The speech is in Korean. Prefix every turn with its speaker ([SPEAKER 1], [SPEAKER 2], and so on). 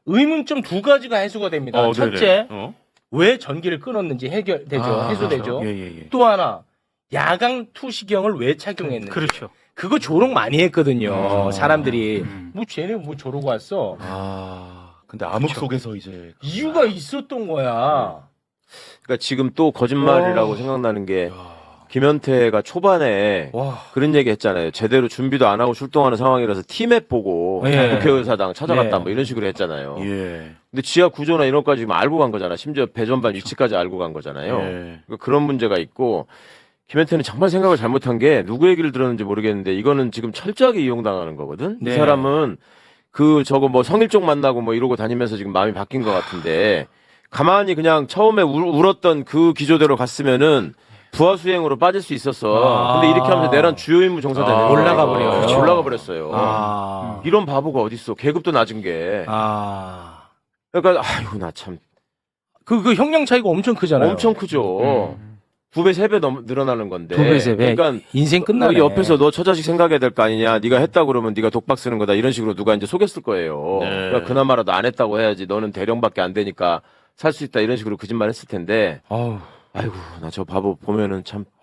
[SPEAKER 1] 의문점 두 가지가 해소가 됩니다. 첫째,
[SPEAKER 2] 네네.
[SPEAKER 1] 왜 전기를 끊었는지 해결되죠. 해소되죠.
[SPEAKER 2] 예.
[SPEAKER 1] 또 하나, 야광 투시경을 왜 착용했는지.
[SPEAKER 3] 그렇죠.
[SPEAKER 1] 그거 조롱 많이 했거든요. 사람들이. 뭐 쟤네 뭐 저러고 왔어.
[SPEAKER 2] 근데 암흑 속에서 이제
[SPEAKER 1] 이유가 있었던 거야.
[SPEAKER 4] 그러니까 지금 또 거짓말이라고
[SPEAKER 1] 와.
[SPEAKER 4] 생각나는 게 김현태가 초반에
[SPEAKER 1] 와.
[SPEAKER 4] 그런 얘기 했잖아요. 제대로 준비도 안 하고 출동하는 상황이라서 티맵 보고
[SPEAKER 1] 예.
[SPEAKER 4] 국회의사당 찾아갔다
[SPEAKER 1] 네.
[SPEAKER 4] 뭐 이런 식으로 했잖아요.
[SPEAKER 2] 예.
[SPEAKER 4] 근데 지하 구조나 이런 것까지 지금 알고 간 거잖아. 심지어 배전반 위치까지 알고 간 거잖아요.
[SPEAKER 2] 예.
[SPEAKER 4] 그러니까 그런 문제가 있고 김현태는 정말 생각을 잘못한 게 누구 얘기를 들었는지 모르겠는데 이거는 지금 철저하게 이용당하는 거거든.
[SPEAKER 1] 네.
[SPEAKER 4] 이 사람은 그 저거 뭐 성일종 만나고 뭐 이러고 다니면서 지금 마음이 바뀐 것 같은데 가만히 그냥 처음에 울었던 그 기조대로 갔으면은 부하 수행으로 빠질 수 있었어. 근데 이렇게 하면서 내란 주요 임무 종사되는 거야.
[SPEAKER 1] 올라가 버려요.
[SPEAKER 4] 그렇지, 올라가 버렸어요.
[SPEAKER 1] 아.
[SPEAKER 4] 이런 바보가 어딨어. 계급도 낮은 게.
[SPEAKER 1] 아.
[SPEAKER 4] 그러니까 아이고 나 참
[SPEAKER 1] 그 형량 차이가 엄청 크잖아요.
[SPEAKER 4] 엄청 크죠. 2배, 3배 늘어나는 건데.
[SPEAKER 1] 2배, 3배.
[SPEAKER 4] 그러니까
[SPEAKER 1] 인생 끝나네.
[SPEAKER 4] 너 옆에서 너 처자식 생각해야 될 거 아니냐. 네가 했다 그러면 네가 독박 쓰는 거다. 이런 식으로 누가 이제 속였을 거예요.
[SPEAKER 2] 네.
[SPEAKER 4] 그러니까 그나마라도 안 했다고 해야지. 너는 대령밖에 안 되니까 살 수 있다. 이런 식으로 거짓말 했을 텐데.
[SPEAKER 1] 아우.
[SPEAKER 4] 아이고 나 저 바보 보면은 참